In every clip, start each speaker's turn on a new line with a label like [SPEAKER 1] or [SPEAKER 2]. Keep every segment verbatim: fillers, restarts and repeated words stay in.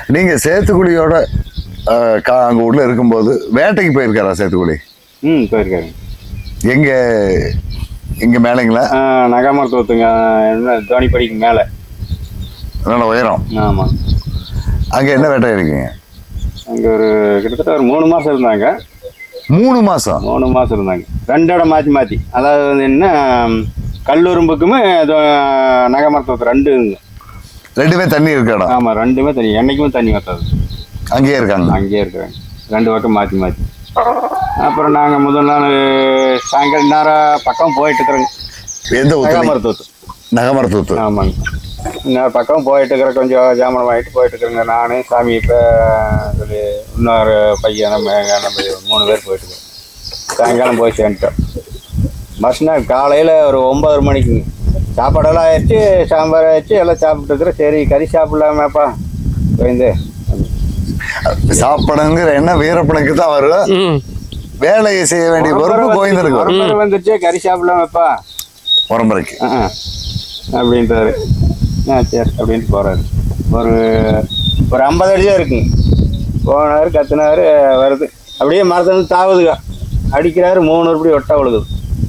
[SPEAKER 1] நீங்க சேத்துக்குழியோட அங்க உள்ள இருக்கும்போது வேட்டைக்கு போயிருக்காரா சேத்துக்குழி?
[SPEAKER 2] ம் போயிருக்காரு.
[SPEAKER 1] எங்க இங்க மேலேங்களா?
[SPEAKER 2] நகாமரத்தோத்துங்க, என்ன தோணிப்படிக்கு மேலே
[SPEAKER 1] நல்ல உயரம்.
[SPEAKER 2] ஆமாம்.
[SPEAKER 1] அங்கே என்ன வேட்டை இருக்குங்க?
[SPEAKER 2] அங்கே ஒரு கிட்டத்தட்ட ஒரு மூணு மாதம் இருந்தாங்க.
[SPEAKER 1] மூணு மாதம்
[SPEAKER 2] மூணு மாதம் இருந்தாங்க. ரெண்டு இடம் மாற்றி மாற்றி, அதாவது வந்து என்ன கல்லூரும்புக்குமே நகாமரத்தோத்து ரெண்டு
[SPEAKER 1] ரெண்டுமே தண்ணி இருக்க இடம்.
[SPEAKER 2] ஆமாம், ரெண்டுமே தண்ணி, என்னைக்குமே தண்ணி வத்தாது.
[SPEAKER 1] அங்கேயே இருக்காங்க.
[SPEAKER 2] அங்கேயே இருக்கிறாங்க, ரெண்டு பக்கம் மாற்றி மாற்றி. அப்புறம் நாங்கள் முதல் நாள் சாயங்காலம் நேரம் பக்கம் போயிட்டு இருக்கிறோங்க.
[SPEAKER 1] எந்த
[SPEAKER 2] நகாமரத்தோத்து?
[SPEAKER 1] நகாமரத்தோத்து.
[SPEAKER 2] ஆமாங்க. இன்னொரு பக்கம் போயிட்டு இருக்கிற கொஞ்சம் ஜாமனம் வாங்கிட்டு போயிட்டு இருக்கிறேங்க. நான் சாமி இப்போ சொல்லி இன்னொரு பையன் நம்ம நம்ம மூணு பேர் போயிட்டு சாயங்காலம் போய் சேர்ந்துட்டோம். மறுநாள் காலையில் ஒரு ஒம்பது மணிக்குங்க சாப்பாடெல்லாம் ஆயிடுச்சு, சாம்பார் ஆயிடுச்சு, எல்லாம் சாப்பிட்டு இருக்கிறேன். சரி கறி சாப்பிடலாமேப்பா போயிருந்து
[SPEAKER 1] சாப்பிடுங்கிற என்ன வீரப்பனுக்கு தான் வரும். வேலையை செய்ய வேண்டிய பொறுப்பு போயிருந்துருக்கு.
[SPEAKER 2] உரம்பரை வந்துருச்சு, கறி சாப்பிடலாமேப்பா
[SPEAKER 1] உரம்பரைக்கு
[SPEAKER 2] அப்படின்றாரு. ஆ சரி அப்படின்ட்டு போகிறாரு. ஒரு ஒரு ஐம்பது அடி தான் இருக்குங்க. போனார், கத்துனாரு, வருது அப்படியே மரத்தை வந்து தாவுதுங்க, அடிக்கிறாரு. மூணு உருப்படி ஒட்டா விழுகுது.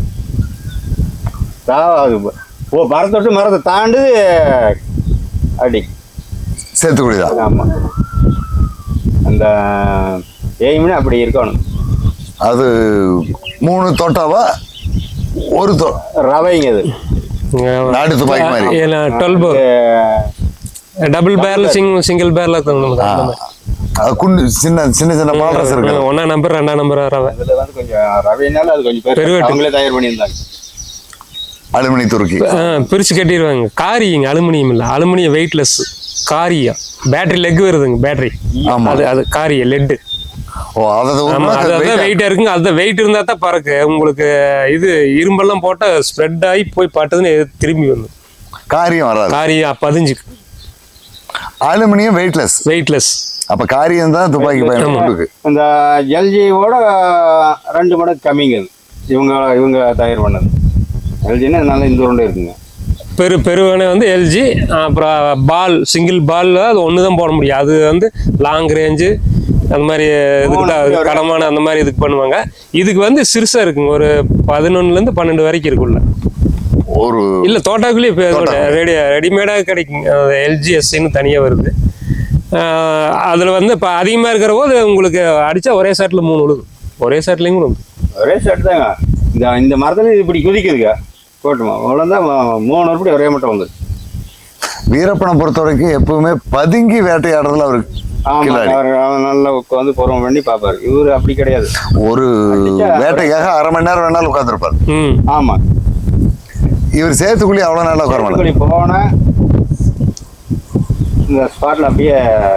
[SPEAKER 2] தாவாது ஓ மரத்தை விட்டு மரத்தை தாண்டு அடி
[SPEAKER 1] சேத்துக்குழி தான்.
[SPEAKER 2] ஆமாம். அந்த எய்ம்னு அப்படி இருக்கணும்.
[SPEAKER 1] அது மூணு தோட்டாவா? ஒரு தோ
[SPEAKER 2] ரவைங்க அது
[SPEAKER 1] நாடு துப்பாக்கி மாதிரி.
[SPEAKER 3] Twelve bore double barrel single single barrel
[SPEAKER 1] குண்டு சின்ன சின்ன சின்ன மாடல்ஸ் இருக்கு.
[SPEAKER 3] ஒன்னா நம்பர் ரெண்டா நம்பர் ரவை.
[SPEAKER 2] அதுல வந்து கொஞ்சம் ரவைனால அது கொஞ்சம் பெரிய அவங்களே தயார் பண்ணியிருந்தாங்க.
[SPEAKER 1] அலுமினி துருக்கி
[SPEAKER 3] பிரிச்சு கட்டிடுவாங்க. காரிங்க அலுமினியம் இல்லை, அலுமினியம் வெயிட்லெஸ் காரியா. பேட்டரி லெக் வருதுங்க, பேட்டரி. அது அது காரிய லெட்டு.
[SPEAKER 1] ஓ அதான்
[SPEAKER 3] வெயிட்டா இருக்குங்க. அதுதான் வெயிட் இருந்தா தான் பறக்கு. உங்களுக்கு இது இரும்பெல்லாம் போட்டா ஸ்ப்ரெட் ஆகி போய் பட்டதுன்னு திரும்பி வந்து
[SPEAKER 1] காரியம் வராது.
[SPEAKER 3] காரியம் பதிஞ்சுக்கு.
[SPEAKER 1] Aluminium weightless
[SPEAKER 3] weightless.
[SPEAKER 1] அப்ப காரியம் தான் துப்பாக்கி பயன்படுது.
[SPEAKER 2] இந்த எல்ஜியோட ரெண்டு மடங்கு கம்மிங்க இவங்க இவங்க தயார் பண்ணது. எல்ஜின்னா அதனால இந்த உருண்டை இருக்குங்க.
[SPEAKER 3] பெரு பெருவனை வந்து எல்ஜி. அப்புறம் பால் சிங்கிள் பால் அது ஒன்று தான் போட முடியும். அது வந்து லாங் ரேஞ்சு அந்த மாதிரி இதுக்கு கடமான அந்த மாதிரி இதுக்கு பண்ணுவாங்க. இதுக்கு வந்து சிறுசா இருக்குங்க, ஒரு பதினொன்னுலேருந்து பன்னெண்டு வரைக்கும் இருக்குள்ள.
[SPEAKER 1] ஒரு
[SPEAKER 3] இல்லை தோட்டாக்குள்ளேயே ரெடி ரெடிமேடாக கிடைக்குங்க. எல்ஜிஎஸ்ன்னு தனியாக வருது. அதில் வந்து இப்போ அதிகமாக இருக்கிற போது உங்களுக்கு அடித்தா ஒரே ஷாட்டில் மூணு விழுது. ஒரே ஷாட்லேயும் விழுது.
[SPEAKER 2] ஒரே ஷாட் தாங்க. இந்த இந்த மரத்துல இப்படி குதிக்குதுங்க போட்டுமா அவ்வளோதான். மூணு உருப்படி ஒரே மட்டும் வந்து.
[SPEAKER 1] வீரப்பனை பொறுத்த வரைக்கும் எப்பவுமே பதுங்கி வேட்டையாடுறதுல அவருக்கு
[SPEAKER 2] நல்லா உட்காந்து பொறுமை பண்ணி பார்ப்பாரு. இவரு அப்படி கிடையாது.
[SPEAKER 1] ஒரு வேட்டைக்காக அரை மணி நேரம் வேணாலும் உட்காந்துருப்பாரு.
[SPEAKER 2] ஆமா.
[SPEAKER 1] இவர் சேத்துக்குழி அவ்வளவு நாளா உட்கார
[SPEAKER 2] போன இந்த ஸ்பாட்ல அப்படியே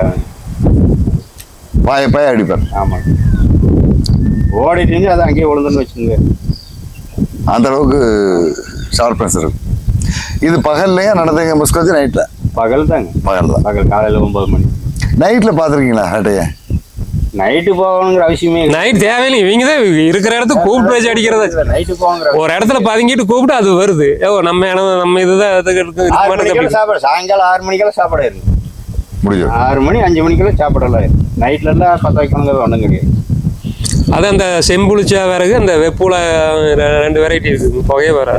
[SPEAKER 1] பாய பாய அடிப்பார்.
[SPEAKER 2] ஆமா. ஓடிட்டு அதை அங்கேயே விழுந்துன்னு வச்சுங்க.
[SPEAKER 1] அந்த அளவுக்கு ஷார்ப்னஸ் இருக்கு. இது பகல்லையா நடந்தீங்க முஸ்கோத்தி? நைட்ல?
[SPEAKER 2] பகல் தாங்க.
[SPEAKER 1] பகல் தான்.
[SPEAKER 2] பகல் காலையில ஒன்பது மணி.
[SPEAKER 1] நைட்ல பாத்துருக்கீங்களா வேட்டைய?
[SPEAKER 2] நைட்டு போகணுங்கிற அவசியமே
[SPEAKER 3] நைட் தேவையில்லை. இவங்க தான் இருக்கிற இடத்துக்கு கூப்பிட்டு வச்சு அடிக்கிறது.
[SPEAKER 2] நைட்டு போகிற
[SPEAKER 3] ஒரு இடத்துல பதுங்கிட்டு கூப்பிட்டு அது வருது. ஓ நம்ம நம்ம இதுதான்
[SPEAKER 2] சாப்பாடு. சாயங்காலம் ஆறு மணிக்கெல்லாம் சாப்பாடு இருக்கு.
[SPEAKER 1] முடியும்.
[SPEAKER 2] ஆறு மணி அஞ்சு மணிக்கெல்லாம் சாப்பாடெல்லாம் நைட்ல எல்லாம் பத்து வைக்கணுங்கிறது ஒன்றும் கிடையாது.
[SPEAKER 3] அது அந்த செம்புளிச்சா விறகு, அந்த வெப்பூல ரெண்டு வெரைட்டி இருக்குது. புகையே வர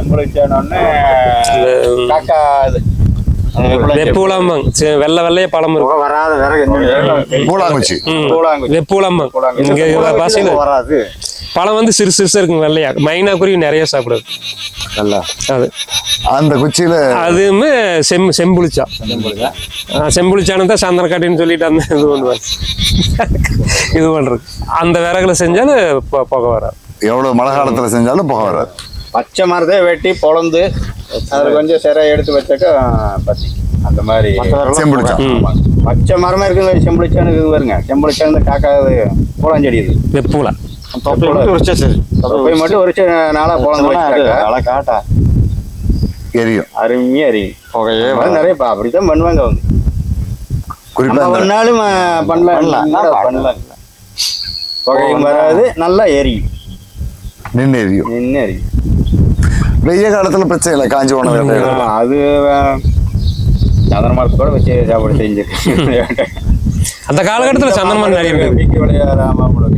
[SPEAKER 3] வெப்பூலாம்பாங்க. வெள்ளை வெள்ளைய பழம் இருக்கும்.
[SPEAKER 2] வராத விறகு
[SPEAKER 1] பூலாங்குச்சி.
[SPEAKER 3] வெப்பூலாம்பாங்க. இங்க பாசையில வராது. பழம் வந்து சிறு சிறுசா இருக்குங்க, வெள்ளையா. மைனா குருவி நிறைய சாப்பிடுது.
[SPEAKER 2] நல்லா
[SPEAKER 3] அது
[SPEAKER 1] அந்த குச்சியில
[SPEAKER 3] அதுவுமே செம் செம்புளிச்சா. செம்புளிச்சானு தான் சந்திரக்காட்டின்னு சொல்லிட்டு அந்த இது பண்ணுவாங்க. இது பண்றது அந்த விறகுல செஞ்சாலும் புகை வராது.
[SPEAKER 1] எவ்வளவு மழை காலத்துல செஞ்சாலும் புகை வராது.
[SPEAKER 2] பச்சை மரத்தை வெட்டி பொழந்து அது கொஞ்சம் சிறை எடுத்து வச்சாக்கா பத்தி அந்த மாதிரி
[SPEAKER 1] செம்புளிச்சா.
[SPEAKER 2] பச்சை மரமா இருக்குங்க. செம்புளிச்சானு இது வருங்க. செம்புளிச்சானு காக்கா பூலாஞ்செடி இது
[SPEAKER 3] வெப்பூலா
[SPEAKER 2] மட்டும் ஒரு நாளா பொழந்து காட்டா
[SPEAKER 1] எரியும்.
[SPEAKER 2] அருமையா எரியும். புகையே நிறைய அப்படித்தான் பண்ணுவாங்க. அவங்க குறிப்பா பண்ணாலும் பண்ணலாம் பண்ணலாம். புகையும் வராது, நல்லா எரியும்.
[SPEAKER 1] நின்று எரியும்.
[SPEAKER 2] நின்று எரியும்.
[SPEAKER 1] வெய்ய காலத்துல பிரச்சனை இல்லை. காஞ்சி உணவு
[SPEAKER 2] அது சந்திர மரத்தோட வச்சு சாப்பாடு செஞ்சிருக்கு.
[SPEAKER 3] அந்த காலகட்டத்தில் சந்தனமரம் நிறைய இருக்கு.
[SPEAKER 2] வீக்கி விளையாட மாமடுகு,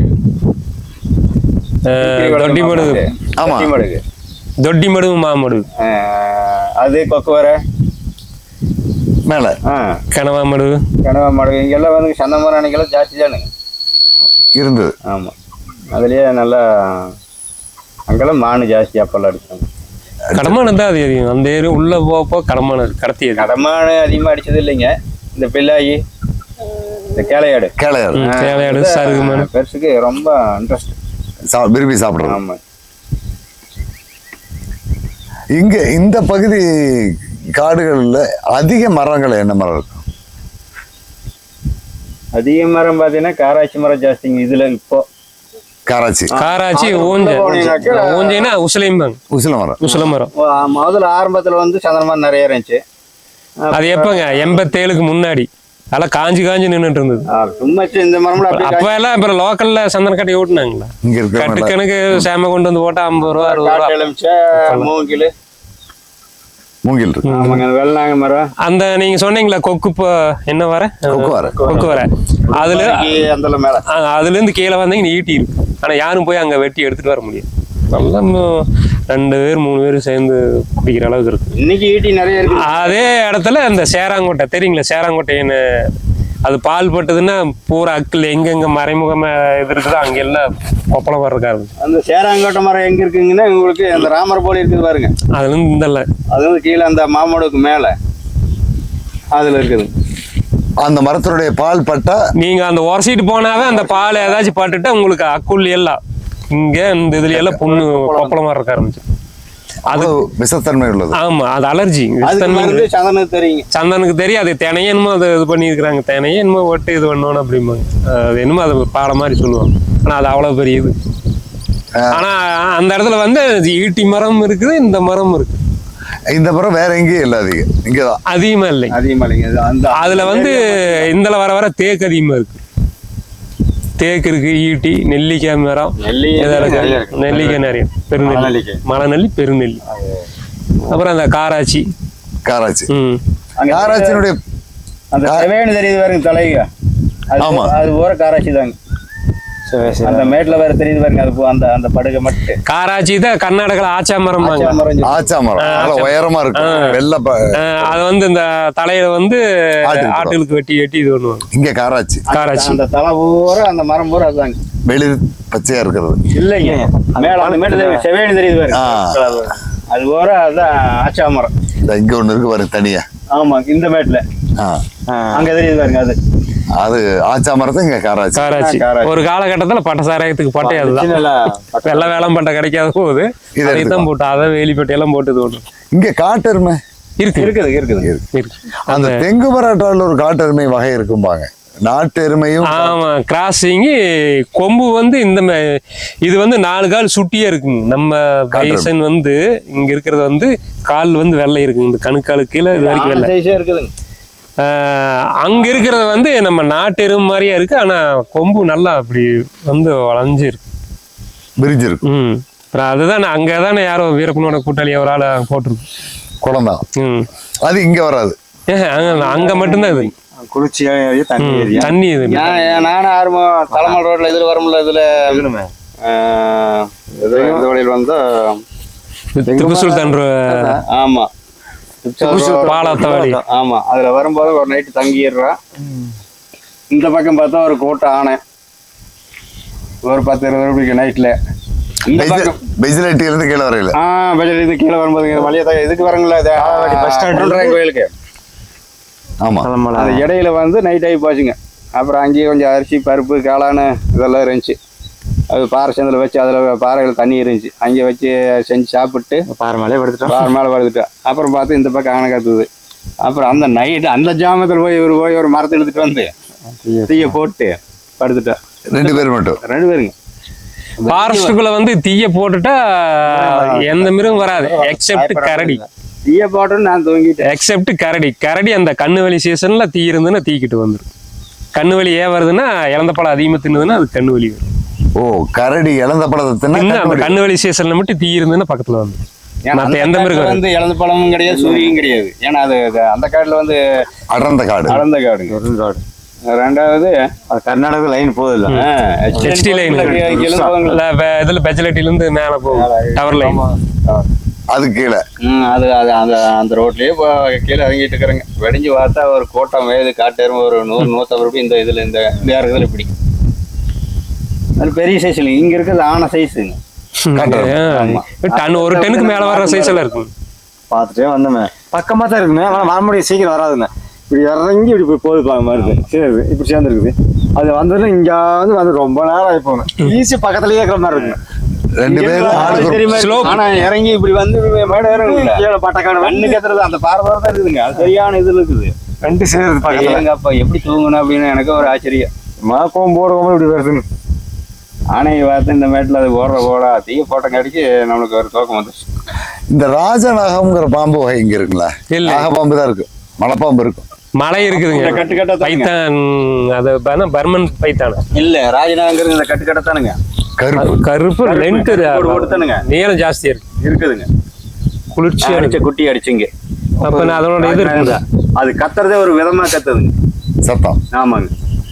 [SPEAKER 3] தொட்டி மடுகு,
[SPEAKER 1] ஆமா.
[SPEAKER 2] மடுகு,
[SPEAKER 3] தொட்டி மடுகு, மாமடுகு,
[SPEAKER 2] அது கொக்குவரை
[SPEAKER 1] மேல
[SPEAKER 3] கனவா மடுகு,
[SPEAKER 2] கனவா மடுகு. இங்கெல்லாம் வந்து சந்தனமரம் அன்னைக்கெல்லாம் ஜாஸ்தி தானுங்க
[SPEAKER 1] இருந்தது.
[SPEAKER 2] ஆமா, அதுலயே நல்லா அங்கெல்லாம் மானு ஜாஸ்தி அப்பெல்லாம் அடிச்சாங்க.
[SPEAKER 3] கடமானம் தான் அது அதிகம். அந்த ஏரி உள்ள போப்போ கடமானம் கடத்தி.
[SPEAKER 2] கடமானு அதிகமா அடிச்சது இல்லைங்க. இந்த பிள்ளாயி, இந்த கேளையாடு,
[SPEAKER 1] கேளையாடு,
[SPEAKER 3] கேளையாடு, சருகுமானு
[SPEAKER 2] பெருசுக்கு ரொம்ப இன்ட்ரெஸ்ட்,
[SPEAKER 1] விரும்பி சாப்பிடுறோம்.
[SPEAKER 2] ஆமா.
[SPEAKER 1] இங்க இந்த பகுதி காடுகள்ல அதிக மரங்கள் என்ன மரம் இருக்கும்?
[SPEAKER 2] அதிக மரம் பாத்தீங்கன்னா காராட்சி மரம் ஜாஸ்திங்க இதுல. இப்போ
[SPEAKER 1] காராச்சி,
[SPEAKER 3] காராச்சி, ஊஞ்ச ஊஞ்சைனா உசிலைம்பாங்க.
[SPEAKER 1] உசில மரம்,
[SPEAKER 3] உசில மரம்
[SPEAKER 2] முதல்ல ஆரம்பத்துல வந்து சந்தனமரம் நிறைய இருந்துச்சு.
[SPEAKER 3] அது எப்பங்க எண்பத்தேழுக்கு முன்னாடி அதெல்லாம் காஞ்சி காஞ்சி நின்றுட்டு இருந்தது.
[SPEAKER 2] சும்மா இந்த மரம்
[SPEAKER 3] அப்ப எல்லாம் இப்ப லோக்கல்ல சந்தன கட்டி ஓட்டுனாங்களா?
[SPEAKER 1] இங்க இருக்க
[SPEAKER 3] கட்டு கணக்கு சேம கொண்டு வந்து போட்டா ஐம்பது ரூபா அறுபது ரூபா.
[SPEAKER 2] மூங்கில்
[SPEAKER 1] மூங்கில் இருக்கு.
[SPEAKER 2] ஆமாங்க, வெள்ளாங்க மரம்.
[SPEAKER 3] அந்த நீங்க சொன்னீங்களா கொக்கு இப்போ என்ன வர
[SPEAKER 1] கொக்கு வர
[SPEAKER 3] கொக்கு வர அதுல
[SPEAKER 2] அந்த மேல
[SPEAKER 3] அதுல இருந்து கீழே வந்தீங்க ஈட்டி இருக்கு. ஆனா யாரும் போய் அங்க வெட்டி எடுத்துட்டு வர முடியாது. நல்லா ரெண்டு பேர் மூணு பேர் சேர்ந்து பிடிக்கிற அளவுக்கு இருக்கு.
[SPEAKER 2] இன்னைக்கு ஈட்டி நிறைய இருக்கு. அதே
[SPEAKER 3] இடத்துல இந்த சேராங்கோட்டை தெரியுங்களா? சேராங்கோட்டைன்னு அது பால் பட்டதுன்னா பூரா அக்கில் எங்கெங்க மறைமுகமா இது இருக்குதோ அங்க எல்லாம் கொப்பளம் வர்றக்காரு.
[SPEAKER 2] அந்த சேராங்கோட்டை மரம் எங்க இருக்குங்கன்னா உங்களுக்கு அந்த ராமர் போல இருக்குது பாருங்க.
[SPEAKER 3] அதுல இருந்து இந்த
[SPEAKER 2] அது வந்து கீழே அந்த மாமடுக்கு மேல அதுல இருக்குது.
[SPEAKER 1] அந்த மரத்தினுடைய பால் பட்டா
[SPEAKER 3] நீங்க அந்த உரசிட்டு போனாவே அந்த பால் ஏதாச்சும் பட்டுட்டா உங்களுக்கு அக்குள் எல்லாம் இங்க இந்த இதுல எல்லாம் புண்ணு கொப்பளமா இருக்க ஆரம்பிச்சு.
[SPEAKER 1] அது விஷத்தன்மை உள்ளது.
[SPEAKER 3] ஆமா, அது அலர்ஜி.
[SPEAKER 2] சந்தனுக்கு தெரியும்,
[SPEAKER 3] சந்தனுக்கு தெரியும். அது தினையே என்னமோ அது இது பண்ணியிருக்கிறாங்க. தினையே என்னமோ ஒட்டு இது பண்ணணும் அப்படிம்பாங்க. அது என்னமோ அது பாடம் மாதிரி சொல்லுவாங்க. ஆனா அது அவ்வளவு பெரிய இது. ஆனா அந்த இடத்துல வந்து ஈட்டி மரம் இருக்குது, இந்த மரம் இருக்கு.
[SPEAKER 1] இந்த மரம் வேற எங்கேயும் இல்லை, அதிகம் இங்கதான்
[SPEAKER 3] அதிகமா இல்லை.
[SPEAKER 2] அதிகமா இல்லைங்க.
[SPEAKER 3] அதுல வந்து இந்த வர வர தேக்கு அதிகமா இருக்கு. தேக்கு இருக்கு, ஈட்டி, நெல்லிக்காய் மரம், நெல்லிக்காய் நிறைய, பெருநெல்லி, மலைநெல்லி, பெருநெல்லி. அப்புறம் அந்த காராச்சி,
[SPEAKER 1] காராச்சி
[SPEAKER 3] ம்
[SPEAKER 1] காராச்சினுடைய
[SPEAKER 2] அந்த செவேன்னு தெரியுது பாருங்க தலைங்க.
[SPEAKER 1] ஆமா,
[SPEAKER 2] அது போற காராச்சி தாங்க. அந்த மேட்ல வேற தெரியுது பாருங்க. அது அந்த அந்த படுகை மட்டும்
[SPEAKER 3] காராச்சி தான். கர்நாடகால ஆச்சா மரம்,
[SPEAKER 1] ஆச்சா மரம் உயரமா இருக்கும். வெள்ள
[SPEAKER 3] அது வந்து இந்த தலையில வந்து ஆட்டுகளுக்கு வெட்டி வெட்டி இது பண்ணுவாங்க.
[SPEAKER 1] இங்க காராச்சி,
[SPEAKER 3] காராச்சி
[SPEAKER 2] அந்த தலை பூரா அந்த மரம் பூரா அதுதாங்க.
[SPEAKER 1] வெளிர் பச்சையா இருக்கிறது
[SPEAKER 2] இல்லைங்க. மேல அந்த மேட்டு செவேன்னு தெரியுது பாருங்க. அது பூரா அதுதான் ஆச்சா மரம்.
[SPEAKER 1] இங்க ஒண்ணு இருக்கு பாருங்க தனியா.
[SPEAKER 2] ஆமா, இந்த மேட்ல அங்க தெரியுது பாருங்க. அது
[SPEAKER 1] அது ஆச்சா மரத்தை இங்க காராச்சி.
[SPEAKER 3] காராச்சி ஒரு காலகட்டத்துல பட்ட சாராயத்துக்கு பட்டை அதுதான். வெள்ளை வேளம் பட்டை கிடைக்காத போகுது, இதைத்தான் போட்டு அதை வேலிப்பட்டை எல்லாம் போட்டு இது
[SPEAKER 1] இங்க காட்டெருமை
[SPEAKER 3] இருக்கு
[SPEAKER 2] இருக்குது இருக்குது
[SPEAKER 3] இருக்கு.
[SPEAKER 1] அந்த தெங்கு மராட்டாவில் ஒரு காட்டெருமை வகை இருக்கும்பாங்க. நாட்டு எருமையும்
[SPEAKER 3] ஆமா, கிராசிங் கொம்பு வந்து இந்த இது வந்து நாலு கால் சுட்டியே இருக்குங்க. நம்ம பைசன் வந்து இங்க இருக்கிறது வந்து கால் வந்து வெள்ளை இருக்குங்க. இந்த கணுக்காலு கீழே இது வரைக்கும் வெள்ளை
[SPEAKER 2] இருக்குதுங்க.
[SPEAKER 3] அங்க இருக்கிறது வந்து நம்ம நாட்டு எருமை மாதிரியா இருக்கு. ஆனா கொம்பு நல்லா அப்படி வந்து வளைஞ்சு இருக்கு,
[SPEAKER 1] விரிஞ்சு இருக்கு.
[SPEAKER 3] ம் அதுதான் அங்கதானே யாரோ வீரப்பனோட கூட்டாளி ஒரு ஆளை போட்டிருக்கு
[SPEAKER 1] குளம்தான்.
[SPEAKER 3] ம்
[SPEAKER 1] அது இங்க வராது.
[SPEAKER 3] அங்க மட்டும்தான் இது
[SPEAKER 2] குளிர்ச்சியா தண்ணி
[SPEAKER 3] தண்ணி இது.
[SPEAKER 2] நானும் ஆர்வம் தலைமல் ரோட்ல இதுல வரும்ல, இதுல இந்த வழியில் வந்தா
[SPEAKER 3] திப்பு சுல்தான்.
[SPEAKER 2] ஆமா,
[SPEAKER 3] பாலத்தவாடி.
[SPEAKER 2] ஆமா, அதுல வரும்போது ஒரு நைட்டு தங்கிடுறான். இந்த பக்கம் பார்த்தா ஒரு கூட்ட ஆனை ஒரு பத்து இருபது ரூபாய்க்கு நைட்ல. இந்த பக்கம் பெஜிலிட்டில இருந்து கீழே வரையில ஆஹ் பெஜிலிட்டி கீழே வரும்போது வழியா இதுக்கு வரங்களா பஸ் ஸ்டாண்ட் கோயிலுக்கு.
[SPEAKER 1] ஆமா,
[SPEAKER 2] அந்த இடையில வந்து நைட் ஆகி போச்சுங்க. அப்புறம் அங்கேயே கொஞ்சம் அரிசி பருப்பு காளானு இதெல்லாம் இருந்துச்சு. அது பாறை சேர்ந்தில் வச்சு அதில் பாறைகள் தண்ணி இருந்துச்சு. அங்கே வச்சு செஞ்சு சாப்பிட்டு
[SPEAKER 3] பாறை மேலே படுத்துட்டோம்.
[SPEAKER 2] பாறை மேலே படுத்துட்டோம். அப்புறம் பார்த்து இந்த பக்கம் ஆனை கத்துது. அப்புறம் அந்த நைட்டு அந்த ஜாமத்தில் போய் இவர் போய் ஒரு மரத்தை எடுத்துட்டு வந்து தீய போட்டு படுத்துட்டா.
[SPEAKER 1] ரெண்டு பேரும் மட்டும்
[SPEAKER 2] ரெண்டு பேருங்க.
[SPEAKER 3] ஃபாரஸ்டுக்குள்ள வந்து தீய போட்டுட்டா எந்த மிருகம் வராது எக்ஸெப்ட் கரடி.
[SPEAKER 2] தீய போட்டோன்னு நான் தூங்கிட்டேன்.
[SPEAKER 3] எக்ஸெப்ட் கரடி. கரடி அந்த கண்ணு வலி சீசன்ல தீ இருந்துன்னா தீக்கிட்டு வந்துடும். கண்ணு வலி ஏன் வருதுன்னா இழந்த பழம் அதிகமாக தின்னுதுன்னா அது கண்ணு வலி வரும்.
[SPEAKER 1] ஓ, கரடி இழந்த பழத்தை
[SPEAKER 3] அந்த கண்ணு வலி சீசன்ல மட்டும் தீ இருந்துன்னா பக்கத்துல வந்து மற்ற எந்த மிருகம்
[SPEAKER 2] வந்து இழந்த பழமும் கிடையாது, சூரியும் கிடையாது. ஏன்னா அது அந்த காடுல வந்து
[SPEAKER 1] அடர்ந்த காடு,
[SPEAKER 2] அடர்ந்த காடுங்க.
[SPEAKER 3] காடு
[SPEAKER 2] ரெண்டாவது அது கர்நாடகா லைன் போகுது இல்ல
[SPEAKER 3] ஹெச்டி லைன் இதுல பெஜலட்டில இருந்து மேல போகும் டவர் லைன்
[SPEAKER 1] அது கீழே
[SPEAKER 2] அது அது அந்த அந்த ரோட்லயே கீழே இறங்கிட்டு இருக்கிறேங்க. வெடிஞ்சு பார்த்தா ஒரு கோட்டம் வயது காட்டேரும் ஒரு நூறு நூற்றம்பது ரூபாய் இந்த இதுல இந்த இடத்துல இப்படி அது பெரிய சைஸ் இல்லைங்க. இங்க இருக்கிறது ஆன சைஸுங்க.
[SPEAKER 3] டன் ஒரு டன்னுக்கு மேல வர்ற சைஸ் எல்லாம் இருக்கும்.
[SPEAKER 4] பார்த்துட்டே வந்தோமே பக்கமாக தான் இருக்குங்க. ஆனால் வர முடியும் சீக்கிரம் வராதுங்க. இப்படி இறங்கி இப்படி போய் போகுது மாதிரி சரி இப்படி சேர்ந்துருக்குது. அது வந்ததுன்னா இங்கே வந்து வந்து ரொம்ப நேரம் ஆகி போகணும். ஈஸி பக்கத்துலேயே இருக்கிற மாதிரி இருக்குங்க.
[SPEAKER 1] ரெண்டு பேரும்
[SPEAKER 2] ஆனா இறங்கி இப்படி வந்து மேடம் இறங்குங்க பட்டக்கான கண்ணு கத்துறது அந்த பார்வை தான் இருக்குதுங்க. அது சரியான இதுல இருக்குது.
[SPEAKER 4] ரெண்டு சேர்ந்து
[SPEAKER 2] பாருங்க அப்ப எப்படி தூங்கணும் அப்படின்னு எனக்கு ஒரு ஆச்சரியம்.
[SPEAKER 4] மாக்கம் போடுவோம் இப்படி வருதுன்னு
[SPEAKER 2] ஆனையை பார்த்து இந்த மேட்டில் அது ஓடுற ஓடா தீய போட்ட கடிக்கு நம்மளுக்கு ஒரு தோக்கம் வந்துச்சு.
[SPEAKER 1] இந்த ராஜநாகம்ங்கிற பாம்பு வகை இங்க இருக்குங்களா? நாகப்பாம்பு தான் இருக்கு, மலைப்பாம்பு இருக்கும்,
[SPEAKER 3] மலை இருக்குதுங்க.
[SPEAKER 2] கட்டு கட்டா
[SPEAKER 3] பைத்தான் அது பர்மன் பைத்தான இல்ல
[SPEAKER 2] ராஜநாகங்கிறது இந்த கட்டு கட்டத்தானுங்க.
[SPEAKER 1] கருப்பு
[SPEAKER 3] கருப்பு லென்த்
[SPEAKER 2] கொடுத்தானுங்க
[SPEAKER 3] நீளம் ஜாஸ்தியா இருக்கு
[SPEAKER 2] இருக்குதுங்க.
[SPEAKER 3] குளிர்ச்சி
[SPEAKER 2] அடிச்ச குட்டி அடிச்சுங்க.
[SPEAKER 3] அப்ப அதனோட இது இருக்குதா
[SPEAKER 2] அது கத்துறதே ஒரு விதமா கத்துதுங்க
[SPEAKER 1] சத்தம்.
[SPEAKER 2] ஆமாங்க.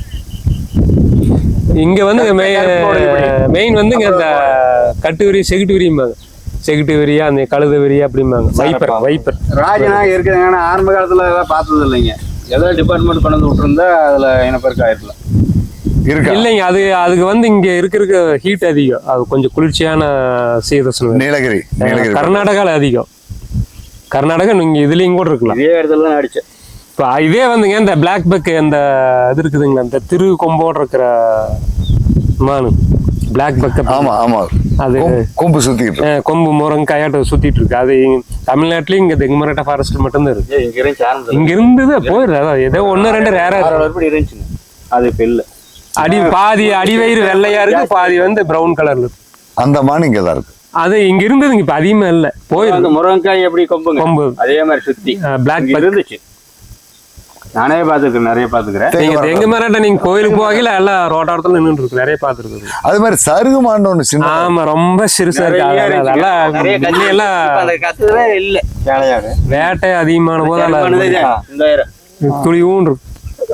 [SPEAKER 3] இங்க வந்து மெயின் வந்து இங்க இந்த கட்டு விரி செகுட்டு விரியும்பாங்க. செகுட்டு விரியா அந்த கழுத விரியா அப்படிம்பாங்க. வைப்பர் வைப்பர்
[SPEAKER 2] ராஜநாக இருக்குதுங்க. ஆனா ஆரம்ப காலத்துல எல்லாம் பார்த்தது இல்லைங்க. ஏதாவது டிபார்ட்மெண்ட் கொண்டு வந்து விட்டுருந்தா அதுல இனப்பெருக்கம் ஆயிருக்கலாம்.
[SPEAKER 3] இல்லைங்க. அது அதுக்கு வந்து இங்க இருக்கிற ஹீட் அதிகம். அது கொஞ்சம் குளிர்ச்சியான சீதோஷ்ண
[SPEAKER 1] நீலகிரி
[SPEAKER 3] கர்நாடகால அதிகம். கர்நாடகா நீங்க இதுலயும் கூட இருக்கலாம்.
[SPEAKER 2] இதே இடத்துல தான் அடிச்சேன்.
[SPEAKER 3] இப்போ இதே வந்துங்க இந்த பிளாக் பக் அந்த இது இருக்குதுங்களா, இந்த திரு கொம்போடு இருக்கிற மானு பிளாக் பக்.
[SPEAKER 1] ஆமா ஆமா அது கொம்பு சுத்திட்டு
[SPEAKER 3] கொம்பு முருங்க கையாட்ட சுத்திட்டு இருக்கு. அது தமிழ்நாட்டுலயும் இங்க தெங்குமரட்டா ஃபாரஸ்ட் மட்டும்தான் இருக்கு. இங்க இருந்தது போயிடுது. அதான் ஏதோ ஒன்னு ரெண்டு ரேரா
[SPEAKER 2] இருந்துச்சுங்க. அது இப்ப இல்ல.
[SPEAKER 3] அடி பாதி அடிவயிறு வெள்ளையா இருக்கு, பாதி வந்து பிரவுன் கலர்ல இருக்கு.
[SPEAKER 1] அந்த மான் இங்க தான் இருக்கு.
[SPEAKER 3] அது இங்க இருந்ததுங்க இப்ப அதிகமா இல்ல போயிருக்கு.
[SPEAKER 2] முருங்கைக்காய் எப்படி கொம்பு கொம்பு அதே மாதிரி சுத்தி
[SPEAKER 3] பிளாக்
[SPEAKER 2] இருந்துச்சு. நானே பாத்துக்கிறேன், நிறைய பாத்துக்கிறேன்.
[SPEAKER 3] நீங்க தெங்கு மரட்ட நீங்க கோயிலுக்கு போகல எல்லாம் ரோட்டாரத்துல நின்று இருக்கு, நிறைய பாத்துருக்கு.
[SPEAKER 1] அது மாதிரி சருகு மான் ஒண்ணு சின்ன.
[SPEAKER 3] ஆமா ரொம்ப சிறுசா இருக்கு. அதெல்லாம்
[SPEAKER 2] இல்ல
[SPEAKER 3] வேட்டை அதிகமான போது துளிவும் இருக்கு.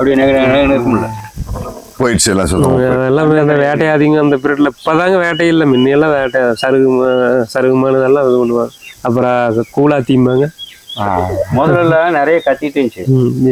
[SPEAKER 1] போயிடுச்சு எல்லாம் சொல்லுவாங்க.
[SPEAKER 3] எல்லாம் அந்த வேட்டை அதிகம் அந்த பீரியட்ல. இப்பதாங்க வேட்டை இல்லை, முன்னையெல்லாம் வேட்டை சருகு சருகுமான இதெல்லாம் இது பண்ணுவாங்க. அப்புறம் கூலா தீம்பாங்க.
[SPEAKER 2] முதல்ல நிறைய கத்திட்டு இருந்துச்சு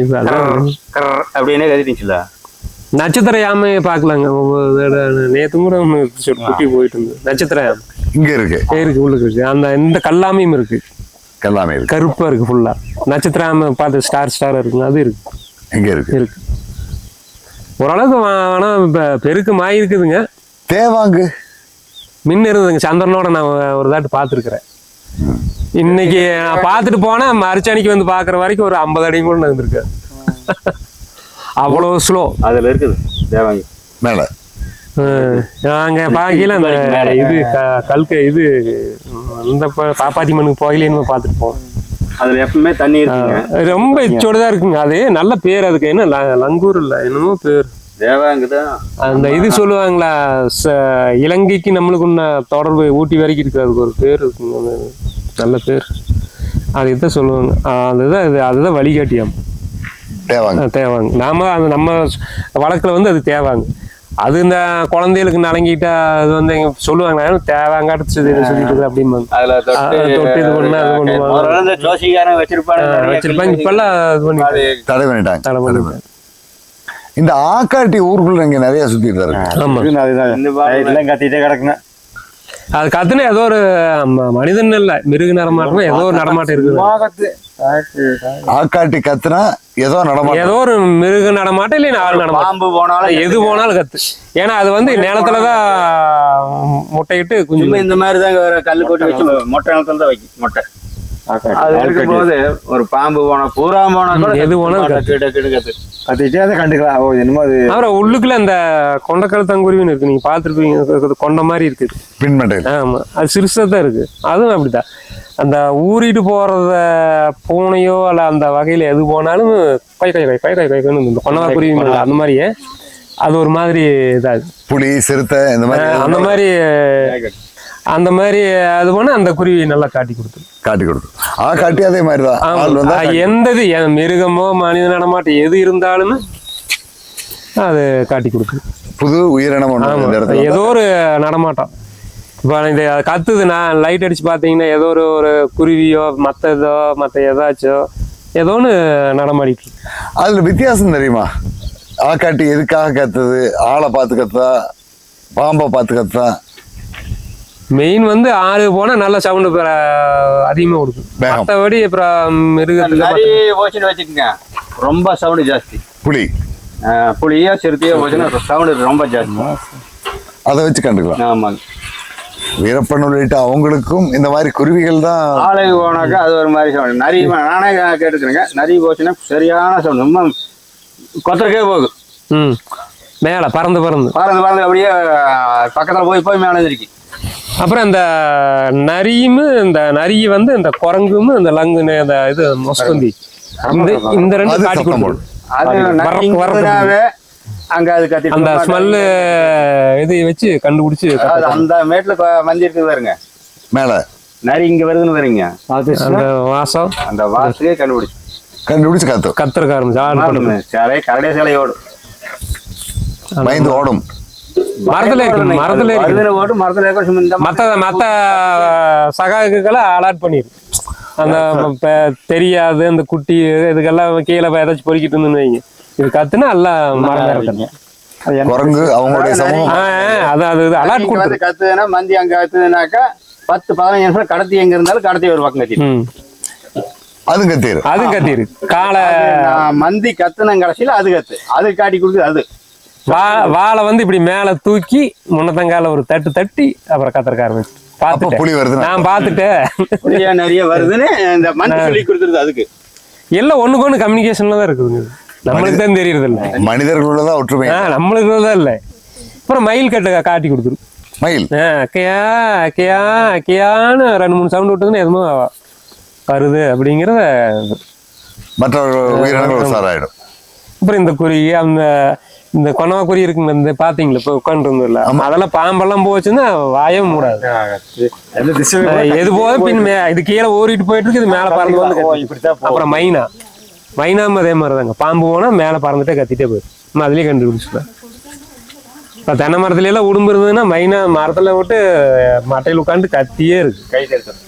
[SPEAKER 2] அப்படின்னே கத்திட்டு இருந்துச்சுல.
[SPEAKER 3] நட்சத்திர யாமையை பாக்கலாங்க. நேத்து கூட ஒண்ணு குட்டி போயிட்டு இருந்தது. நட்சத்திர யாமை
[SPEAKER 1] இங்க இருக்கு
[SPEAKER 3] இருக்கு உள்ளுக்கு இருக்கு. அந்த இந்த கல்லாமையும் இருக்கு.
[SPEAKER 1] கல்லாமை
[SPEAKER 3] கருப்பா இருக்கு ஃபுல்லா. நட்சத்திர யாமை பார்த்து ஸ்டார் ஸ்டார் இருக்குங்க, அது இருக்கு.
[SPEAKER 1] எங்க இருக்கு
[SPEAKER 3] இருக்கு ஓரளவுக்கு. ஆனா இப்ப பெருக்கமாயி இருக்குதுங்க.
[SPEAKER 1] தேவாங்கு
[SPEAKER 3] மின்ன இருந்ததுங்க. சந்திரனோட நான் ஒரு தாட்டு பாத்துருக்கிறேன். இன்னைக்கு நான் பாத்துட்டு போனா மறுச்சணிக்கு வந்து பாக்குற வரைக்கும் ஒரு ஐம்பது அடி கூட இருந்திருக்கு. அவ்வளவு ஸ்லோ
[SPEAKER 2] அதுல இருக்குது தேவாங்கி
[SPEAKER 1] மேல.
[SPEAKER 3] நாங்க பாக்கல அந்த இது கல்க இது இந்த பாப்பாத்தி மண்ணுக்கு போகலேன்னு பாத்துட்டு போவோம்.
[SPEAKER 2] அதுல எப்பவுமே தண்ணி இருக்குங்க.
[SPEAKER 3] ரொம்ப இச்சோடுதான் இருக்குங்க. அது நல்ல பேர். அதுக்கு என்ன லங்கூர் இல்ல என்னமோ பேர்
[SPEAKER 2] தேவாங்குதான். அந்த
[SPEAKER 3] இது சொல்லுவாங்களா இலங்கைக்கு நம்மளுக்கு உன்ன தொடர்பு ஊட்டி வரைக்கும் இருக்கு. அதுக்கு ஒரு பேர் இருக்குங்க, நல்ல பேர். அது இதான் சொல்லுவாங்க. அதுதான் இது அதுதான் வழிகாட்டியாம்
[SPEAKER 1] தேவாங்க.
[SPEAKER 3] தேவாங்க நாம அது நம்ம வழக்குல வந்து அது தேவாங்க. அது இந்த குழந்தைகளுக்கு நலங்கிட்டா அது வந்து எங்க சொல்லுவாங்க தேவாங்காட்டு சொல்லிட்டு அப்படிம்பாங்க. தொட்டு இது பண்ணா அது பண்ணுவாங்க வச்சிருப்பாங்க. இப்பெல்லாம் இது பண்ணி
[SPEAKER 1] தடை பண்ணிட்டாங்க தடை பண்ணிட்டாங்க. இந்த ஆக்காட்டி ஊருக்குள்ள இங்க நிறைய சுத்திட்டு இருக்கு.
[SPEAKER 4] கத்திட்டே கிடக்குங்க.
[SPEAKER 3] அது கத்துனா ஏதோ ஒரு மனிதன் இல்ல மிருக நடமாட்டம் ஏதோ ஒரு நடமாட்டம் இருக்குது.
[SPEAKER 1] ஆக்காட்டி கத்துனா ஏதோ நடமாட்டம்,
[SPEAKER 3] ஏதோ ஒரு மிருக நடமாட்டம் இல்லை ஆள் நடமாட்டம் போனாலும் எது போனாலும் கத்து. ஏன்னா அது வந்து நிலத்துலதான் முட்டையிட்டு கொஞ்சம்
[SPEAKER 2] இந்த மாதிரிதான் கல்லு கொட்டி வச்சு மொட்டை நிலத்துல தான் வைக்கும் மொட்டை. அது இருக்கும்போது ஒரு பாம்பு போனா பூரா போனா
[SPEAKER 3] எது போனா
[SPEAKER 4] கத்திட்டே அதை கண்டுக்கலாம். ஓ என்னமோ அது.
[SPEAKER 3] அப்புறம் உள்ளுக்குள்ள அந்த கொண்டக்கழுத்தங்குருவின்னு இருக்கு, நீங்க பாத்துருப்பீங்க. கொண்ட மாதிரி இருக்குது
[SPEAKER 1] பின்மண்டை.
[SPEAKER 3] ஆமா அது சிறுசா தான் இருக்கு. அதுவும் அப்படிதான். அந்த ஊறிட்டு போறத பூனையோ அல்ல அந்த வகையில எது போனாலும் கை கை கை கை கை கைன்னு இந்த கொண்டவா குருவி அந்த மாதிரியே அது ஒரு மாதிரி இதாது.
[SPEAKER 1] புலி சிறுத்தை இந்த மாதிரி
[SPEAKER 3] அந்த மாதிரி அந்த மாதிரி அது போனா அந்த குருவி நல்லா காட்டி கொடுத்து
[SPEAKER 1] காட்டி கொடுத்து ஆ காட்டி அதே மாதிரிதான்.
[SPEAKER 3] எந்த இது மிருகமோ மனித நடமாட்டம் எது இருந்தாலுமே அது காட்டி கொடுக்குது.
[SPEAKER 1] புது உயிரினம் ஒண்ணு இந்த இடத்துல
[SPEAKER 3] ஏதோ ஒரு நடமாட்டம். இப்போ இந்த கத்துது, நான் லைட் அடிச்சு பார்த்தீங்கன்னா ஏதோ ஒரு ஒரு குருவியோ மற்ற ஏதோ மற்ற ஏதாச்சும் ஏதோ ஒன்று நடமாடிட்டு இருக்கு.
[SPEAKER 1] அதுல வித்தியாசம் தெரியுமா? ஆக்காட்டி எதுக்காக கத்துது? ஆளை பார்த்து கத்தா, பாம்பை பார்த்து கத்தா?
[SPEAKER 3] மெயின் வந்து ஆறு போனா நல்ல சவுண்டு அதிகமாக கொடுக்கும். மற்றபடி அப்புறம் மிருகத்துல
[SPEAKER 2] போச்சுன்னு வச்சுக்கோங்க, ரொம்ப சவுண்டு ஜாஸ்தி.
[SPEAKER 1] புலி
[SPEAKER 2] புளியோ சிறுத்தையோ போச்சுன்னா சவுண்டு ரொம்ப ஜாஸ்தி.
[SPEAKER 1] அதை வச்சு கண்டுக்கலாம்.
[SPEAKER 2] ஆமாங்க.
[SPEAKER 1] வீரப்பன் உள்ளிட்ட அவங்களுக்கும் இந்த மாதிரி குருவிகள் தான்.
[SPEAKER 2] ஆளுக்கு போனாக்கா அது ஒரு மாதிரி சவுண்டு. நிறைய நானே கேட்டுக்கிறேங்க, நிறைய போச்சுன்னா சரியான சவுண்டு, ரொம்ப கொத்தரக்கே போகுது.
[SPEAKER 3] ம் மேலே பறந்து பறந்து
[SPEAKER 2] பறந்து பறந்து அப்படியே பக்கத்தில் போய் போய் மேலே இருக்கு.
[SPEAKER 3] அப்புறம் இந்த நரியும் இந்த நரி வந்து இந்த குரங்கும் இந்த லங்குன்னு இந்த இது மொஸ்கந்தி இந்த இந்த ரெண்டு காட்டி கொடுக்கும்.
[SPEAKER 2] அது அங்க அது கத்தி
[SPEAKER 3] அந்த ஸ்மெல்லு இது வச்சு கண்டுபிடிச்சு
[SPEAKER 2] அந்த மேட்ல மந்தி இருக்குது பாருங்க,
[SPEAKER 1] மேல
[SPEAKER 2] நரி இங்க வருதுன்னு பாருங்க,
[SPEAKER 3] அந்த வாசம்
[SPEAKER 2] அந்த வாசத்தையே கண்டுபிடிச்சு
[SPEAKER 1] கண்டுபிடிச்சு கத்து
[SPEAKER 3] கத்துறக்க ஆரம்பிச்சு
[SPEAKER 2] சிலை கரடே சிலையோடு
[SPEAKER 1] பயந்து ஓடும்.
[SPEAKER 3] மரத்துல இருக்கு, மரத்துல இருக்கு
[SPEAKER 2] ஓடும், மரத்துல இருக்க
[SPEAKER 3] மத்த மத்த சகாக்களை அலாட் பண்ணிரு. அந்த தெரியாது அந்த குட்டி இதுக்கெல்லாம் கீழே ஏதாச்சும் பொறுக்கிட்டு இருந்துன்னு வைங்க, இது கத்துனா எல்லாம் மரம்
[SPEAKER 1] குரங்கு அவங்களுடைய சமூகம்
[SPEAKER 3] அதான் அது அலாட் கொடுத்து
[SPEAKER 2] கத்துதுன்னா மந்தி அங்க கத்துதுனாக்கா பத்து பதினஞ்சு நிமிஷம் கடத்தி எங்க இருந்தாலும் கடத்தி ஒரு பக்கம் கத்தி
[SPEAKER 1] அது கத்திரு
[SPEAKER 3] அது கத்திரு காலை
[SPEAKER 2] மந்தி கத்துன கடைசியில அது கத்து அது காட்டி கொடுக்குது. அது
[SPEAKER 3] வா வாழை வந்து இப்படி மேல தூக்கி முன்னத்தங்கால ஒரு தட்டு தட்டி அப்புறம் கத்திரக்க ஆரம்பிச்சு பாத்துட்டேன்.
[SPEAKER 1] புலி வருது,
[SPEAKER 3] நான் பாத்துட்டேன்
[SPEAKER 2] நிறைய வருதுன்னு இந்த மந்தி சொல்லி கொடுத்துருது. அதுக்கு
[SPEAKER 3] எல்லாம் ஒண்ணுக்கு ஒண்ணு கம்யூனிகேஷன்ல தான் இருக்குதுங்க, நம்மளுக்கு தான் தெரியறது இல்ல.
[SPEAKER 1] மனிதர்களதான் ஒற்றுமை,
[SPEAKER 3] நம்மளுக்கு தான் இல்ல. அப்புறம் மயில் கட்ட காட்டி கொடுத்துரு.
[SPEAKER 1] மயில்
[SPEAKER 3] கியா கியா கியான்னு ரெண்டு மூணு சவுண்ட் விட்டுதுன்னு எதுவும் வருது அப்படிங்கிறத
[SPEAKER 1] மற்ற உயிரினங்கள் உஷாராயிடும்.
[SPEAKER 3] அப்புறம் இந்த குருவி அந்த இந்த கொனவா குருவி இருக்குங்க, இந்த பாத்தீங்களா இப்ப உட்காந்து இருந்ததுல அதெல்லாம் பாம்பெல்லாம் போச்சுன்னா வாயே மூடாது. எது போத பின் இது கீழே ஓடிட்டு போயிட்டு இருக்கு, இது மேல பறந்து வந்து. அப்புறம் மைனா மைனாம அதே மாதிரிதாங்க, பாம்பு போனா மேல பறந்துட்டே கத்திட்டே போயிடும். அதுலயே கண்டுபிடிச்சிப்பேன். இப்போ தென்னை மரத்துல எல்லாம் உடும்பு இருந்ததுன்னா மைனா மரத்துல விட்டு மட்டையில் உட்காந்து கத்தியே இருக்கு.
[SPEAKER 2] கை சேர்த்து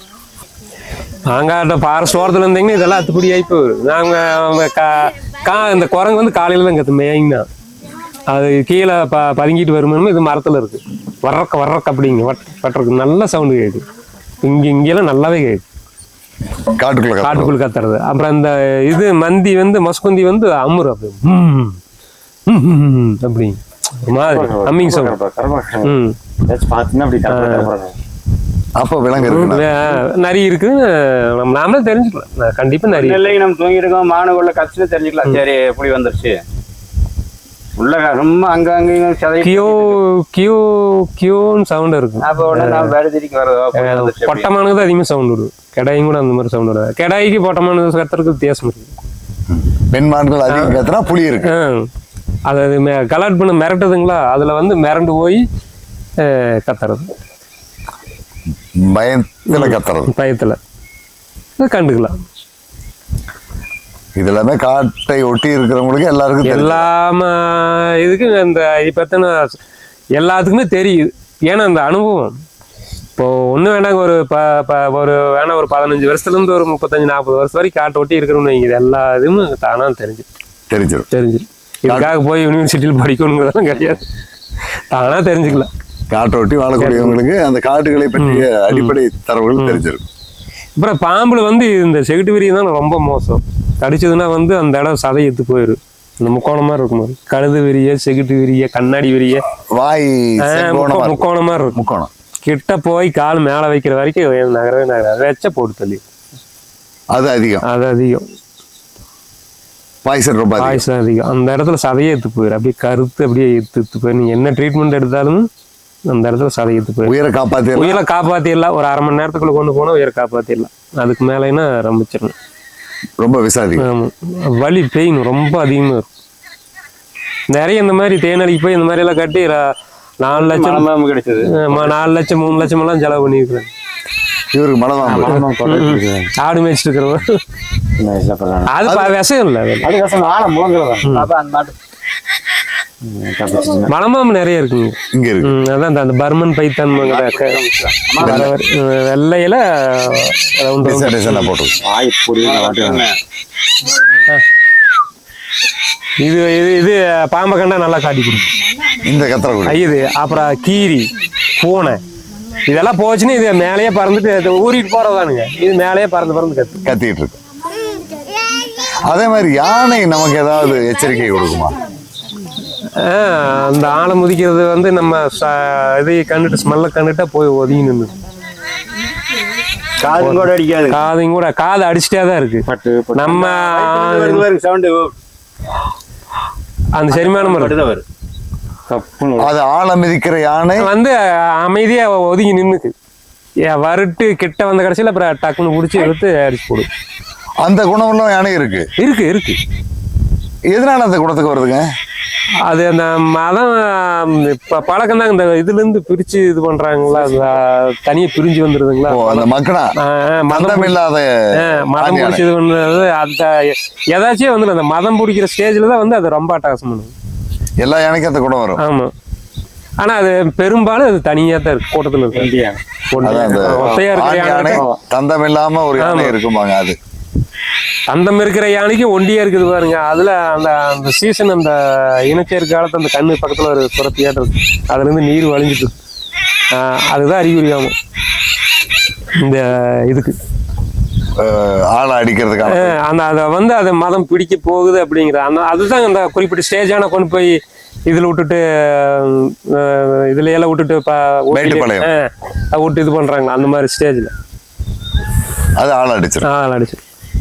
[SPEAKER 3] நாங்க ஃபாரஸ்ட் ஓரத்துல இருந்தீங்கன்னா இதெல்லாம் அத்துப்படி ஆயிப்போ. நாங்க கா இந்த குரங்கு வந்து காலையில தான் கத்து மேய்னா, அது கீழே ப பதுங்கிட்டு வருமானு இது மரத்துல இருக்கு. வர்றக்க வர்றக்க அப்படிங்க வட்டுறக்கு நல்ல சவுண்டு கேட்குது. இங்க இங்கெல்லாம் நல்லாவே கேட்குது,
[SPEAKER 1] காட்டுக்குள்ள
[SPEAKER 3] காட்டுக்குள்ள கத்துறது. அப்புறம் இந்த இது மந்தி வந்து மொஸ்குந்தி வந்து அமுறு அப்படி அப்படி ஒரு மாதிரி அம்மிங் சவுண்ட். ம்
[SPEAKER 1] அப்ப விலங்கு இருக்கு,
[SPEAKER 3] நரி இருக்குன்னு நாமளே தெரிஞ்சுக்கலாம். கண்டிப்பா நரி
[SPEAKER 2] இல்லை, நம்ம தூங்கி இருக்கோம் மானுக்குள்ள கத்துன்னு தெரிஞ்சுக்கலாம். சரி புலி வந்துருச்சு உள்ள ரொம்ப அங்க அங்கேயும்
[SPEAKER 3] கியோ கியோ கியோன்னு சவுண்ட் இருக்கும்.
[SPEAKER 2] அப்போ உடனே நான் வேறு திரிக்கு வர்றதோ
[SPEAKER 3] பொட்டமானுக்கு தான் அதிகமாக சவுண்ட் விடும். கெடாயும் கூட அந்த மாதிரி சவுண்ட் விடும். கெடாய்க்கு பொட்டமான கத்துறதுக்கு வித்தியாசம் இருக்கு.
[SPEAKER 1] பெண்மான்கள் அதிகம் கத்துனா புலி இருக்கு.
[SPEAKER 3] அது கலாட் பண்ண மிரட்டுதுங்களா, அதுல வந்து மிரண்டு போய் கத்துறது,
[SPEAKER 1] பயத்துல கத்துறது,
[SPEAKER 3] பயத்துல கண்டுக்கலாம்.
[SPEAKER 1] இது எல்லாமே காட்டை ஒட்டி இருக்கிறவங்களுக்கு எல்லாருக்கும்
[SPEAKER 3] எல்லாம இதுக்கு இந்த இது பத்தின எல்லாத்துக்குமே தெரியுது. ஏன்னா அந்த அனுபவம் இப்போ ஒண்ணு வேணாங்க ஒரு ப ஒரு வேணா ஒரு பதினஞ்சு வருஷத்துல இருந்து ஒரு முப்பத்தஞ்சு நாற்பது வருஷம் வரைக்கும் காட்டை ஒட்டி இருக்கிறோம்னு வைங்க, எல்லா இதுவும் தானா தெரிஞ்சு தெரிஞ்சிடும் தெரிஞ்சிடும் இதுக்காக போய் யூனிவர்சிட்டியில் படிக்கணுங்கிறதெல்லாம் கிடையாது, தானா தெரிஞ்சுக்கலாம்.
[SPEAKER 1] காட்டை ஒட்டி வாழக்கூடியவங்களுக்கு அந்த காட்டுகளை பற்றிய அடிப்படை தரவுகள் தெரிஞ்சிருக்கும்.
[SPEAKER 3] அப்புறம் பாம்புல வந்து இந்த செகுட்டு விரிய தான் ரொம்ப மோசம். கடிச்சதுன்னா வந்து அந்த இடம் சதை எடுத்து போயிடும். இந்த முக்கோணமா இருக்கும், கழுது விரிய செகுட்டு விரிய கண்ணாடி விரிய
[SPEAKER 1] வாய்
[SPEAKER 3] முக்கோணமா இருக்கும்.
[SPEAKER 1] முக்கோணம்
[SPEAKER 3] கிட்ட போய் கால் மேல வைக்கிற வரைக்கும் நகரவே நகர வச்ச போட்டு தள்ளி
[SPEAKER 1] அது அதிகம்
[SPEAKER 3] அது அதிகம்
[SPEAKER 1] பாய்சன் ரொம்ப
[SPEAKER 3] பாய்சன் அதிகம். அந்த இடத்துல சதையே எடுத்து போயிடும், அப்படியே கருத்து அப்படியே எடுத்து எடுத்து போயிடும். நீங்க என்ன ட்ரீட்மெண்ட் எடுத்தாலும் அந்த இடத்துல சதை எடுத்து போயிடும்.
[SPEAKER 1] உயிரை காப்பாத்தி
[SPEAKER 3] உயிரை காப்பாத்திடலாம். ஒரு அரை மணி நேரத்துக்குள்ள கொண்டு போனா உயிரை காப்பாத்திடலாம். அதுக்கு மேலேன்னா ரம்பிச்சிடணும்.
[SPEAKER 1] ரொம்ப விசாதி
[SPEAKER 3] வலி பெயின் ரொம்ப அதிகமா இருக்கும். நிறைய இந்த மாதிரி தேனடிக்கு போய் இந்த மாதிரி எல்லாம் கட்டி நாலு லட்சம்
[SPEAKER 2] கிடைச்சது,
[SPEAKER 3] நாலு லட்சம் மூணு லட்சம் எல்லாம் செலவு பண்ணிருக்கிறேன்.
[SPEAKER 1] இவருக்கு மனம்
[SPEAKER 3] ஆடு மேய்ச்சிட்டு இருக்கிறவங்க அது விஷயம் இல்லை,
[SPEAKER 2] அது விஷம் ஆழம் முழங்குறதா.
[SPEAKER 3] மலம்பாம்பு நிறைய இருக்குங்க
[SPEAKER 1] இங்க இருக்கு.
[SPEAKER 3] ம், அதான் அந்த- அந்த பர்மன் பைத்தான் வெள்ளையில round round.
[SPEAKER 1] டிசைன் டிசைனா போட்டிருக்கு.
[SPEAKER 4] வாய் புரியுது.
[SPEAKER 3] இது இது இது பாம்பை கண்டா நல்லா காட்டி கொடுக்கும்.
[SPEAKER 1] இந்த கத்திரக்குடி
[SPEAKER 3] இது அப்புறம் கீரி பூனை இதெல்லாம் போச்சுன்னா இது மேலேயே பறந்துட்டு இது ஊறிட்டு போறதானுங்க. இது மேலேயே பறந்து பறந்து கத்து.
[SPEAKER 1] கத்திட்டு இருக்கு. அதே மாதிரி யானை நமக்கு ஏதாவது எச்சரிக்கை கொடுக்குமா?
[SPEAKER 3] ஆஹ் அந்த ஆளை முதிக்கிறது வந்து நம்ம ச- இதை கண்டுட்டு ஸ்மெல்ல கண்டுட்டா போய் ஒதுங்கி நின்று
[SPEAKER 2] காது கூட அடிக்காது.
[SPEAKER 3] காதையும் கூட காது அடிச்சுட்டே தான் இருக்கு.
[SPEAKER 4] பட்டு பட்டு.
[SPEAKER 3] நம்ம
[SPEAKER 2] சவுண்டு
[SPEAKER 3] அந்த செரிமானம் இருக்கு.
[SPEAKER 2] வரும்.
[SPEAKER 4] தப்புன்னு
[SPEAKER 1] அது ஆழ மிதிக்கிற யானை
[SPEAKER 3] வந்து அமைதியா ஒதுங்கி நின்னுக்கு ஏன் வறுட்டு கிட்ட வந்த கடைசியில அப்புறம் டக்குன்னு பிடிச்சி எடுத்து அடிச்சு போடு.
[SPEAKER 1] அந்த குணம்லாம் யானை இருக்கு.
[SPEAKER 3] இருக்கு இருக்கு.
[SPEAKER 1] எதனால அந்த குணத்துக்கு வருதுங்க?
[SPEAKER 3] அது அந்த மதம் இப்ப பழக்கம் தான். இந்த இதுல இருந்து பிரிச்சு இது பண்றாங்களா, அது தனியா பிரிஞ்சு வந்துருதுங்களா.
[SPEAKER 1] ஓ, அந்த மக்கனா
[SPEAKER 3] ஆஹ் மதம்
[SPEAKER 1] மதம் இல்லாத
[SPEAKER 3] ஆஹ் மதம்
[SPEAKER 1] ஆண்
[SPEAKER 3] பிடிச்சி இது பண்றது அந்த ஏதாச்சும் வந்து அந்த மதம் பிடிக்கிற ஸ்டேஜ்ல தான் வந்து அது ரொம்ப அட்டகாசம் பண்ணுது.
[SPEAKER 1] எல்லா யானைக்கும் அந்த குணம் வரும்.
[SPEAKER 3] ஆமா. ஆனா அது பெரும்பாலும் அது தனியா தான் இருக்கு, கூட்டத்துல இருக்கு.
[SPEAKER 1] அதான் அந்த
[SPEAKER 3] ஒத்தையா இருக்கிற
[SPEAKER 1] ஆண் யானை
[SPEAKER 3] யானை
[SPEAKER 1] தந்தம் இல்லாம ஒரு யானை இருக்குமாங்க. அது
[SPEAKER 3] அந்தம் இருக்கிற யானைக்கு ஒண்டியா இருக்குது பாருங்க. அதுல அந்த அந்த சீசன் அந்த இனச்சேர்க்கை காலத்து அந்த கண்ணு பக்கத்துல ஒரு சுரத்தியாட்டு இருக்கு. அதுல இருந்து நீர் வழிஞ்சிட்டு இருக்கு. ஆஹ் அதுதான் அறிகுறியாகும் இந்த இதுக்கு.
[SPEAKER 1] அஹ், ஆளை அடிக்கிறதுக்கான
[SPEAKER 3] ஆஹ் அந்த அதை வந்து அதை மதம் பிடிக்க போகுது அப்படிங்கிற அந்த அதுதான் அந்த குறிப்பிட்ட ஸ்டேஜான கொண்டு போய் இதுல விட்டுட்டு ஆஹ் இதுல எல்லாம் விட்டுட்டு ப- ஓட்டிட்டு-
[SPEAKER 1] மேட்டுப்பாளையம்.
[SPEAKER 3] ஆஹ் அதை விட்டு இது பண்றாங்க அந்த மாதிரி ஸ்டேஜ்ல
[SPEAKER 1] அது ஆளை அடிச்சிடும்.
[SPEAKER 3] ஆஹ் அடிச்சு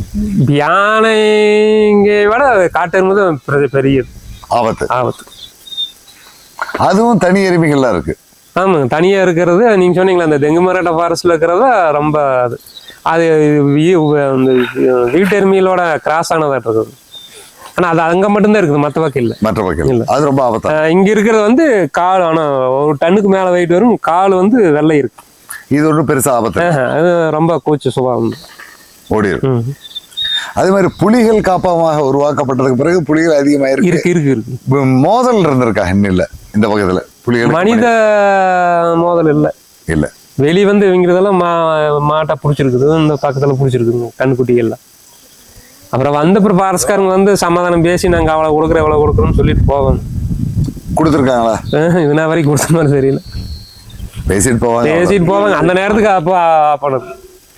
[SPEAKER 3] யானைங்க விட காட்டெருமை பெரிய பெரிய
[SPEAKER 1] ஆபத்து.
[SPEAKER 3] ஆபத்து.
[SPEAKER 1] அதுவும் தனி எருமைகள்லாம் இருக்கு.
[SPEAKER 3] ஆமாங்க, தனியா இருக்கிறது நீங்க சொன்னீங்களா அந்த தெங்கு மராட்டா ஃபாரஸ்ட்ல இருக்கிறத ரொம்ப அது அது வீ- அந்த வீட்டெருமையிலோட கிராஸ் ஆனதாட்டு இருக்குது. ஆனா அது அங்க மட்டும்தான் இருக்குது, மற்ற பக்கம் இல்லை.
[SPEAKER 1] மற்ற பக்கம்
[SPEAKER 3] இல்ல.
[SPEAKER 1] அது ரொம்ப ஆபத்தா.
[SPEAKER 3] ஆஹ் இங்க இருக்கிறது வந்து கால், ஆனா ஒரு டன்னுக்கு மேல வெயிட் வரும். கால் வந்து வெள்ளை இருக்கு.
[SPEAKER 1] இது ஒன்றும் பெருசா ஆபத்து இல்ல.
[SPEAKER 3] ஆஹ் அது ரொம்ப கூச்ச சுபாவம்.
[SPEAKER 1] ஓடிடும்.
[SPEAKER 3] ம்.
[SPEAKER 1] அதே மாதிரி புலிகள் காப்பகமாக உருவாக்கப்பட்டதுக்கு பிறகு புலிகள் அதிகமாயிருக்கு.
[SPEAKER 3] இருக்கு இருக்கு இருக்கு.
[SPEAKER 1] இப்ப மோதல் இருந்திருக்கா இல்ல இந்த பக்கத்துல புலிகள்?
[SPEAKER 3] மனித மோதல் இல்லை.
[SPEAKER 1] இல்ல.
[SPEAKER 3] வெளி வந்து இவங்கிறதெல்லாம் மா மாட்டை பிடிச்சிருக்குது, இந்த பக்கத்துல பிடிச்சிருக்குதுங்க கண்ணுக்குட்டிகள்லாம். அப்புறம் வந்த அப்புறம் ஃபாரஸ்ட்காரங்க வந்து சமாதானம் பேசி நாங்கள் அவ்வளோ கொடுக்குறோம் எவ்வளோ கொடுக்குறோம்னு சொல்லிட்டு போவாங்க.
[SPEAKER 1] கொடுத்துருக்காங்களா?
[SPEAKER 3] இது நான் வரைக்கும் கொடுத்த மாதிரி தெரியல.
[SPEAKER 1] பேசிட்டு போவாங்க.
[SPEAKER 3] பேசிட்டு போவாங்க அந்த நேரத்துக்கு அப்போ பண்ணது.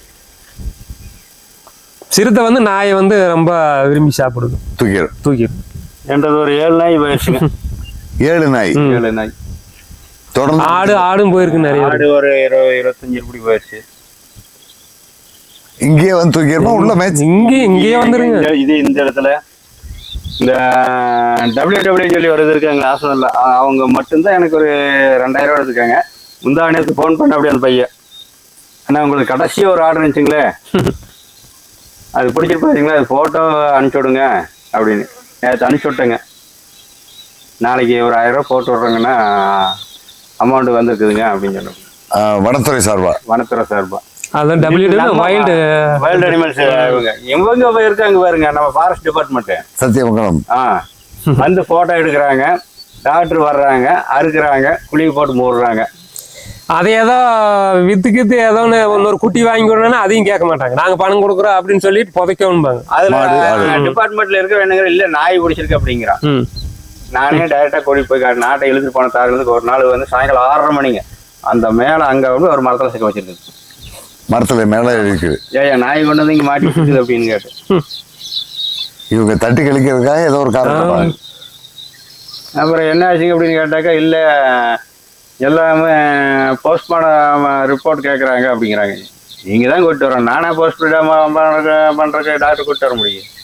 [SPEAKER 3] சிறுத்தை வந்து நாயை வந்து ரொம்ப விரும்பி சாப்பிடுது,
[SPEAKER 1] தூக்கிடும்.
[SPEAKER 3] தூக்கிடும்.
[SPEAKER 2] என்றது ஒரு ஏழு நாய் போயிடுச்சுங்க.
[SPEAKER 1] ஏழு நாய்
[SPEAKER 3] ம்.
[SPEAKER 2] ஏழு நாய்.
[SPEAKER 1] தொடர்ந்து
[SPEAKER 3] ஆடு ஆடும் போயிருக்கு நிறைய.
[SPEAKER 2] ஆடு ஒரு இருபது இருபத்தஞ்சு இப்படி போயிடுச்சு.
[SPEAKER 1] இங்கேயே வந்து தூக்கிடுமா உள்ள மேட்ச்?
[SPEAKER 3] இங்கே இங்கேயே வந்துருங்க.
[SPEAKER 2] இந்த- இது இந்த இடத்துல இந்த டபிள்யூ டபிள்யூ சொல்லி வருது இருக்காங்க ஹாஸ்பிட்டல்ல, அவங்க மட்டும்தான் எனக்கு ஒரு ரெண்டாயிரம் ரூபா எடுத்துக்காங்க. முந்தா நேரத்துக்கு ஃபோன் பண்ண அப்படியே அந்த பையன், அண்ணா உங்களுக்கு கடைசி ஒரு ஆர்டர் இருந்துச்சுங்களே அது பிடிச்சிட்டு பார்த்தீங்களா, அது ஃபோட்டோ அனுப்பிச்சி விடுங்க அப்படின்னு நேற்று அனுப்பிச்சி விட்டேங்க. நாளைக்கு ஒரு ஆயிரம் ரூபா போட்டு விட்றேங்கன்னா அமௌண்ட் வந்துருக்குதுங்க அப்படின்னு சொன்னாங்க.
[SPEAKER 1] ஆஹ், வனத்துறை சார்பா.
[SPEAKER 2] வனத்துறை சார்பா.
[SPEAKER 3] அதான் W W wild
[SPEAKER 2] wild animals இவங்க இவங்க இருக்காங்க பாருங்க, நம்ம ஃபாரஸ்ட் டிபார்ட்மெண்ட்.
[SPEAKER 1] சத்தியமங்கலம்.
[SPEAKER 2] ஆ வந்து போட்டோ எடுக்கிறாங்க, டாக்டர் வர்றாங்க, அறுக்குறாங்க, குழிவு போட்டு மூடுறாங்க.
[SPEAKER 3] அதை ஏதோ வித்து கித்து ஏதோ ஒன்று இன்னொரு குட்டி வாங்கி கொடுனா அதையும் கேட்க மாட்டாங்க. நாங்க பணம் கொடுக்குறோம் அப்படின்னு சொல்லிட்டு புதைக்கணும்பாங்க.
[SPEAKER 2] அதுல
[SPEAKER 1] மாடு, ஆடு.
[SPEAKER 2] டிபார்ட்மெண்ட்ல இருக்க வேணுங்கிற இல்ல நாய் பிடிச்சிருக்கு அப்படிங்கிறான்.
[SPEAKER 3] ம்.
[SPEAKER 2] நானே டைரக்டா கூடி போய் கா- நாட்டை இழுத்துட்டு போன தாருலேருந்து ஒரு நாள் வந்து சாயங்காலம் ஆறரை மணிங்க அந்த மேல அங்க வந்து ஒரு மரத்துல சிக்க வச்சிருக்கு.
[SPEAKER 1] மரத்துல மேல இருக்குது.
[SPEAKER 2] ஏயா நாய் கொண்டு வந்து இங்க மாட்டி இருக்குது அப்படின்னு கேட்டு
[SPEAKER 1] இவங்க தட்டி கழிக்கிறதுக்காக ஏதோ ஒரு காரணம் பாருங்க.
[SPEAKER 2] அப்புறம் என்ன ஆச்சுங்க அப்படின்னு கேட்டாக்கா இல்ல எல்லாமே போஸ்ட்மார்டம் ரிப்போர்ட் கேட்குறாங்க அப்படிங்கிறாங்க. நீங்க தான் கூப்பிட்டு வரோம், நானே போஸ்ட்மார்டம் பண்றதுக்கு டாக்டர் கூப்பிட்டு வர முடியும்.